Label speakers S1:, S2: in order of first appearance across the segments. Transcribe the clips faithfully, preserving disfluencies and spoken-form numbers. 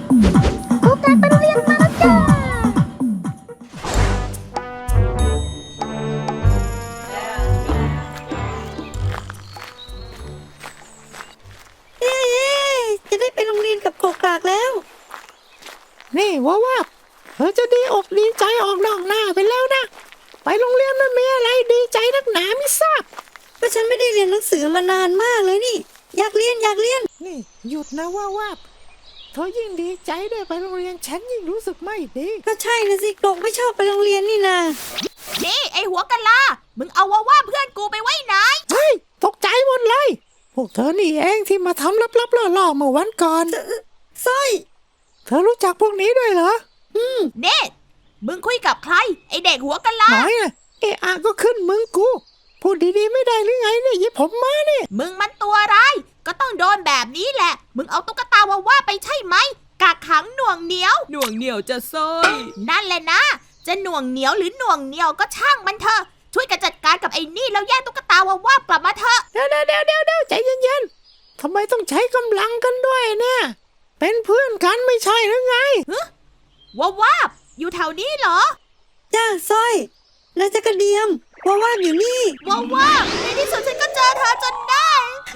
S1: โอกาสไปโรงเรียนมาแล้วจ้าเย้จะได้ไปโรงเรียนกับโกกากแล้ว
S2: นี่ว่าว่าเธอจะดีอกดีใจออกนอกหน้าไปแล้วนะไปโรงเรียนมันมีอะไรดีใจนักหนาไม่ทราบ
S1: ก็ฉันไม่ได้เรียนหนังสือมานานมากเลยนี่อยากเรียนอยากเรียน
S2: นี่หยุดนะว่าว่าเธอยิ่งดีใจได้ไปโรงเรียนฉันยิ่งรู้สึกไม่ดี
S1: ก็ใช่นะสิโกรกไม่ชอบไปโรงเรียนนี่นา
S3: นี่ไอหัวกะลามึงเอาว่าว่าเพื่อนกูไปไว้ไหน
S2: เฮ้ยตกใจหมดเลยพวกเธอนี่เองที่มาทำลับๆล่อๆเมื่อวันก่อน
S1: สร้อย
S2: เธอรู้จักพวกนี้ด้วยเหรอ
S1: อืม
S3: เน่มึงคุยกับใครไอเด็กหัวกะลา
S2: น้อยนะเอะอะก็ขึ้นมึงกูพูดดีๆไม่ได้หรือไงเนี่ยยิบผมมาเนี่ย
S3: มึงมันตัวร้ายก็ต้องโดนแบบนี้แหละมึงเอาตุ๊กตาว่าว่าไปใช่ไหมกักขังหน่วงเหนียว
S4: หน่วงเหนียวจะซ้อย
S3: นั่นแหละนะจะหน่วงเหนียวหรือหน่วงเหนียวก็ช่างมันเถอะช่วยกันจัดการกับไอ้นี่แล้วแย่งตุ๊กตาว่าว่ากลับมาเถอะ
S2: เดี๋ยวเดี๋ยวเดี๋ยวเดี๋ยวใจเย็นๆทำไมต้องใช้กำลังกันด้วยเนี่ยเป็นเพื่อนกันไม่ใช่หรือไง
S3: ฮะว่าว่าอยู่แถวนี้เหรอ
S1: จ้าสร้อยแล้วจะกระเดียมว่าว่าอยู่นี่
S3: ว่าว่าในที่สุดฉันก็เจอเธอจนได้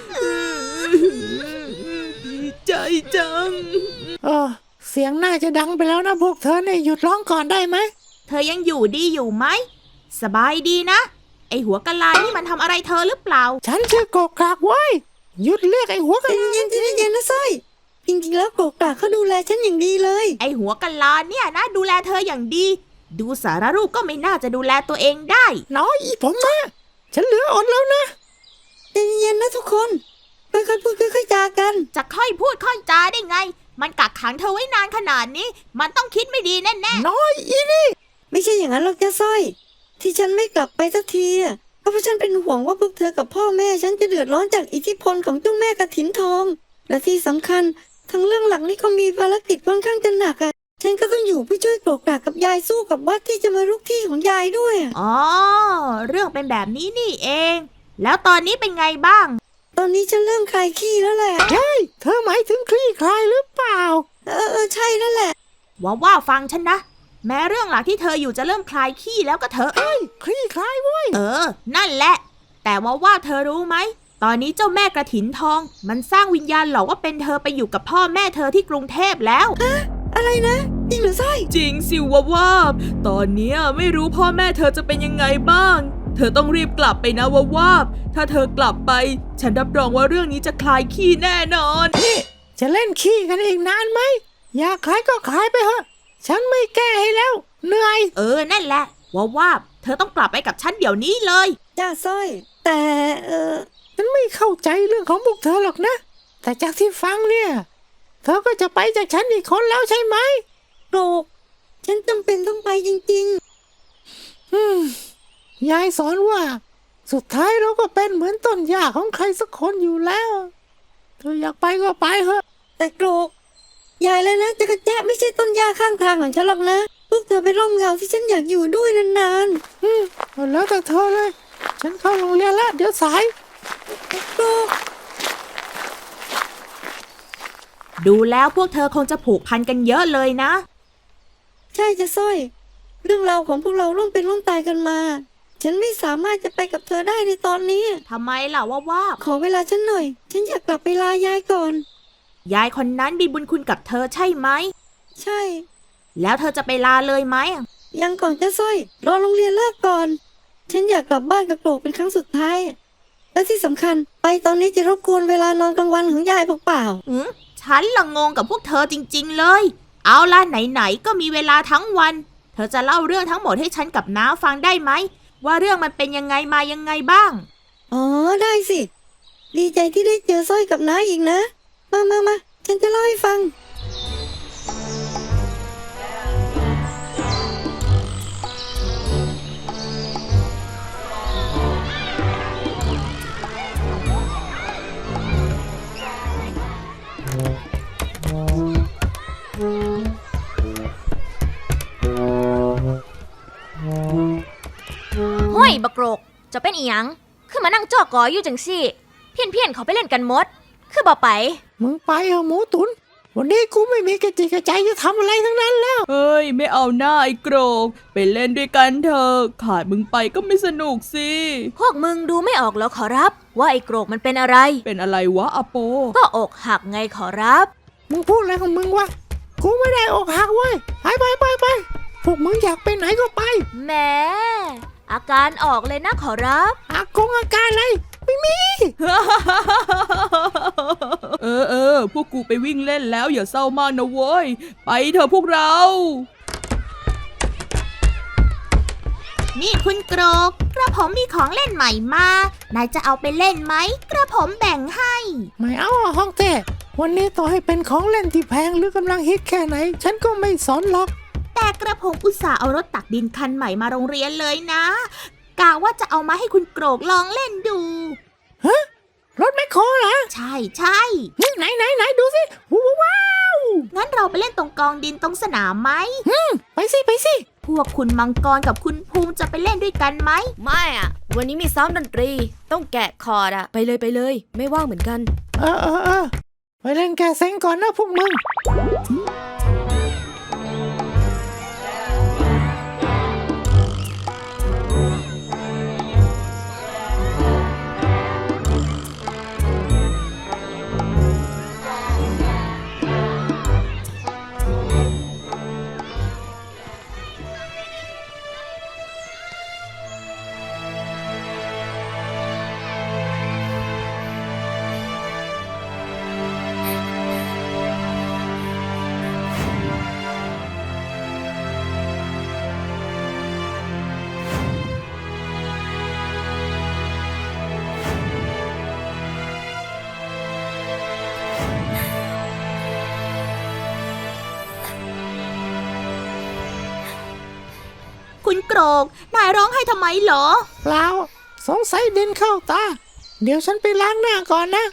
S4: ดีใจจัง
S2: เออเสียงน่าจะดังไปแล้วนะพวกเธอเนี่ยหยุดร้องก่อนได้ไหม
S3: เธอยังอยู่ดีอยู่ไหมสบายดีนะไอหัวกะลานี่มันทำอะไรเธอหรือเปล่า
S2: ฉันชื่อโกกากไว้หยุดเรียกไอหัวกะลา
S1: เย็นๆเย็นๆนะสร้อยจริงๆแล้วโกกากเขาดูแลฉันอย่างดีเลย
S3: ไอหัวกะลาเนี่ยนะดูแลเธออย่างดีดูสารรูปก็ไม่น่าจะดูแลตัวเองได้
S2: น้อยอีผมมาฉันเหลืออดแล้วนะ
S1: ใจเย็นๆนะทุกคนค่อยๆพูดค่อยๆจากัน
S3: จะค่อยพูดค่อยจาได้ไงมันกักขังเธอไว้นานขนาดนี้มันต้องคิดไม่ดีแน่
S2: ๆน้อยอีนี่
S1: ไม่ใช่อย่างนั้นหรอกจ้าสร้อยที่ฉันไม่กลับไปสักทีเพราะว่าฉันเป็นห่วงว่าพวกเธอกับพ่อแม่ฉันจะเดือดร้อนจากอิทธิพลของเจ้าแม่กฐินทองและที่สำคัญทั้งเรื่องหลังนี่ก็มีภารกิจค่อนข้างจะหนักอ่ะฉันก็ต้องอยู่เพื่อช่วยโกรกากกับยายสู้กับวัดที่จะมารุกที่ของยายด้วย
S3: อ๋อเรื่องเป็นแบบนี้นี่เองแล้วตอนนี้เป็นไงบ้าง
S1: ตอนนี้ฉันเริ่มคลายขี้แล้วแหละ
S2: เฮ้ยเธอหมายถึงคลี่คลายหรือเปล่า
S1: เออเออใช่นั่นแหละ
S3: ว่าว่าฟังฉันนะแม้เรื่องหลักที่เธออยู่จะเริ่มคลายขี้แล้วก็เถอะ
S2: เฮ้ยคลี่คลายเว้ย
S3: เออนั่นแหละแต่ว่าว่าเธอรู้ไหมตอนนี้เจ้าแม่กฐินทองมันสร้างวิญญาณหลอกว่าเป็นเธอไปอยู่กับพ่อแม่เธอที่กรุงเทพแล้ว
S1: อะอะไรนะจริงหรือไส้
S4: จริงสิว่าว่าตอนนี้ไม่รู้พ่อแม่เธอจะเป็นยังไงบ้างเธอต้องรีบกลับไปนะว่าว่าถ้าเธอกลับไปฉันรับรองว่าเรื่องนี้จะคลายขี้แน่นอน
S2: นี่จะเล่นขี้กันอีกนานไหมอยากคลายก็คลายไปเถอะฉันไม่แก้ให้แล้วเหนื่อย
S3: เออนั่นแหละว่าว่าเธอต้องกลับไปกับฉันเดี๋ยวนี้เลย
S1: จ้าสร้อยแต่เออ
S2: ฉันไม่เข้าใจเรื่องของพวกเธอหรอกนะแต่จากที่ฟังเนี่ยเธอก็จะไปจากฉันอีกคนแล้วใช่ไหม
S1: โกรกฉันจำเป็นต้องไปจริง
S2: ๆอืมยายสอนว่าสุดท้ายเราก็เป็นเหมือนต้นหญ้าของใครสักคนอยู่แล้วเธออยากไปก็ไปเถอะ
S1: แต่โกรกยายเลยนะจะกระแจะไม่ใช่ต้นหญ้าข้างทางของฉันหรอกนะพวกเธอเป็นร่มเงาที่ฉันอยากอยู่ด้วยนาน
S2: ๆอืมแล้วแต่เธอเลยฉันเข้าโรงเรียนแล้วเดี๋ยวสาย
S1: โกรก
S3: ดูแล้วพวกเธอคงจะผูกพันกันเยอะเลยนะ
S1: ใช่จะสร้อยเรื่องราวของพวกเราร่วมเป็นร่วมตายกันมาฉันไม่สามารถจะไปกับเธอได้ในตอนนี้
S3: ทำไมล่ะว่าว่า
S1: ขอเวลาฉันหน่อยฉันอยากกลับไปลายายก่อน
S3: ยายคนนั้นมีบุญคุณกับเธอใช่ไหม
S1: ใช่
S3: แล้วเธอจะไปลาเลยไหม
S1: ยังก่อนจะสร้อยรอโรงเรียนเลิกก่อนฉันอยากกลับบ้านกับโกรกเป็นครั้งสุดท้ายและที่สำคัญไปตอนนี้จะรบกวนเวลานอนกลางวันของยายเปล่า
S3: ๆอืมฉันละงงกับพวกเธอจริงๆเลยเอาล่ะไหนๆก็มีเวลาทั้งวันเธอจะเล่าเรื่องทั้งหมดให้ฉันกับน้าฟังได้ไหมว่าเรื่องมันเป็นยังไงมายังไงบ้าง
S1: อ๋อได้สิดีใจที่ได้เจอสร้อยกับน้าอีกนะมามามาฉันจะเล่าให้ฟัง
S5: ห้ยบักโกรกจะเป็นอีหยังคือมานั่งจ้อกออยู่จังซี่เพี้ยนๆเขาไปเล่นกันหมดคือบ่ไป
S2: มึงไปเหรอหมูตุนวันนี้กูไม่มีกระจิกกระใจจะทำอะไรทั้งนั้นแล้ว
S4: เฮ้ย ไม่เอาหน้าไอ้โกรกไปเล่นด้วยกันเถอะขาดมึงไปก็ไม่สนุกสิ
S5: พวกมึงดูไม่ออกเหรอขอรับ ว่าไอ้โกรกมันเป็นอะไร
S4: เป็นอะไรวะอโป
S5: ก็อกหักไงขอรับ
S2: มึงพูดอะไรของมึงวะกูไม่ได้อกหักเว้ยไปไปไปไปพวกมึงอยากไปไหนก็ไป
S5: แหมอาการออกเลยนะขอรับ
S2: อากงอาการอะไรไม่มี
S4: เออเออพวกกูไปวิ่งเล่นแล้วอย่าเศร้ามากนะโว้ยไปเถอะพวกเรา
S3: นี่คุณโกรกกระผมมีของเล่นใหม่มา นายจะเอาไปเล่นไหม กระผมแบ่งให้
S2: ไม่เอาอ่ะห้องเต้วันนี้ต่อให้เป็นของเล่นที่แพงหรือกำลังฮิตแค่ไหน ฉันก็ไม่สนหรอก
S3: แต่กระผมอุตส่าห์เอารถตักดินคันใหม่มาโรงเรียนเลยนะกะว่าจะเอามาให้คุณโกรกลองเล่นดู
S2: รถแมคโครเหรอ
S3: ใช่ใช่
S2: ไหนไหนไหนดูสิว้าว
S3: งั้นเราไปเล่นตรงกองดินตรงสนามไหม
S2: ไปสิไปสิ
S3: พวกคุณมังกรกับคุณภูมิจะไปเล่นด้วยกันไหม
S6: ไม่อะวันนี้มีซ้อมดนตรี ต้องแกะคอร์ดอะไปเลยไปเลย ไม่ว่างเหมือนกัน
S2: เออเออเออไปเล่นแกเซ็งก่อนนะพวกมึง
S3: คุณโกรกนายร้องให้ทำไมเหรอ
S2: เปล่าสงสัยดินเข้าตา เดี๋ยวฉันไปล้างหน้าก่อนนะ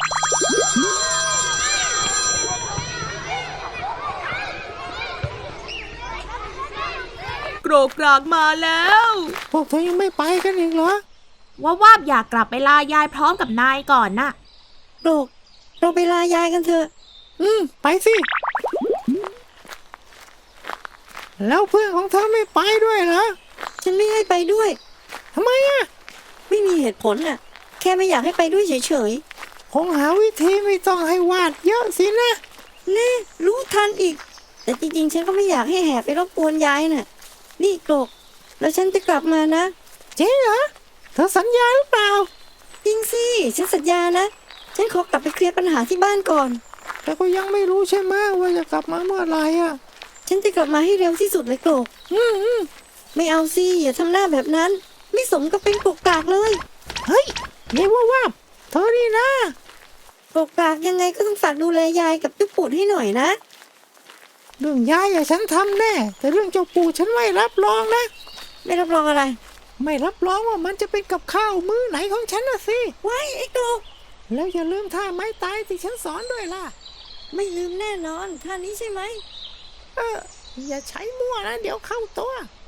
S4: โกรกกรากมาแล้ว
S2: พวกเธอยังไม่ไปกันอีกเหรอ
S3: ว่าวาบอยากกลับไปลายายพร้อมกับนายก่อนน่ะ
S1: โกรกเราไปลายายกันเถอะ
S2: อืมไปสิ แล้วเพื่อนของเธอไม่ไปด้วยเหรอ
S1: ฉันไม่ให้ไปด้วย
S2: ทำไมอ่ะ
S1: ไม่มีเหตุผลน่ะ แค่ไม่อยากให้ไปด้วยเฉย
S2: คงหาวิธีไม่ต้องให้วาดเยอะสินะ
S1: ๆแน่รู้ทันอีก แต่จริงๆ ฉันก็ไม่อยากให้แห่ไปรบกวนยายน่ะ นี่โกรกแล้วฉันจะกลับมานะ
S2: จริงเหรอ เธอสัญญาหรือเปล่า
S1: จริงสิ ฉันสัญญานะ ฉันขอกลับไปเคลียร์ปัญหาที่บ้านก่อน
S2: แต่ก็ยังไม่รู้ใช่ไหมว่าจะกลับมาเมื่อไหร่อ่ะ
S1: ฉันจะกลับมาให้เร็วที่สุดเลยโกรก
S2: อืมอืม
S1: ไม่เอาสิ อย่าทำหน้าแบบนั้น ไม่สมกับเป็นกกกากเลย
S2: เฮ้ยนี่ว่าว่าเธอนี่นะ
S1: กกกากยังไงก็ต้องฝากดูแลยายกับจุ๊ปูดให้หน่อยนะ
S2: เรื่องยายอะฉันทำแน่ แต่เรื่องเจ้าปู่ฉันไม่รับรองนะ
S1: ไม่รับรองอะไร
S2: ไม่รับรองว่ามันจะเป็นกับข้าวมื้อไหนของฉันนะสิ
S1: ไว้ไอ้โกรก
S2: แล้วอย่าลืมท่าไม้ตายที่ฉันสอนด้วยล่ะ
S1: ไม่ลืมแน่นอนท่านี้ใช่ไหม
S2: เออ อย่าใช้มั่วนะ เดี๋ยวเข้าตัว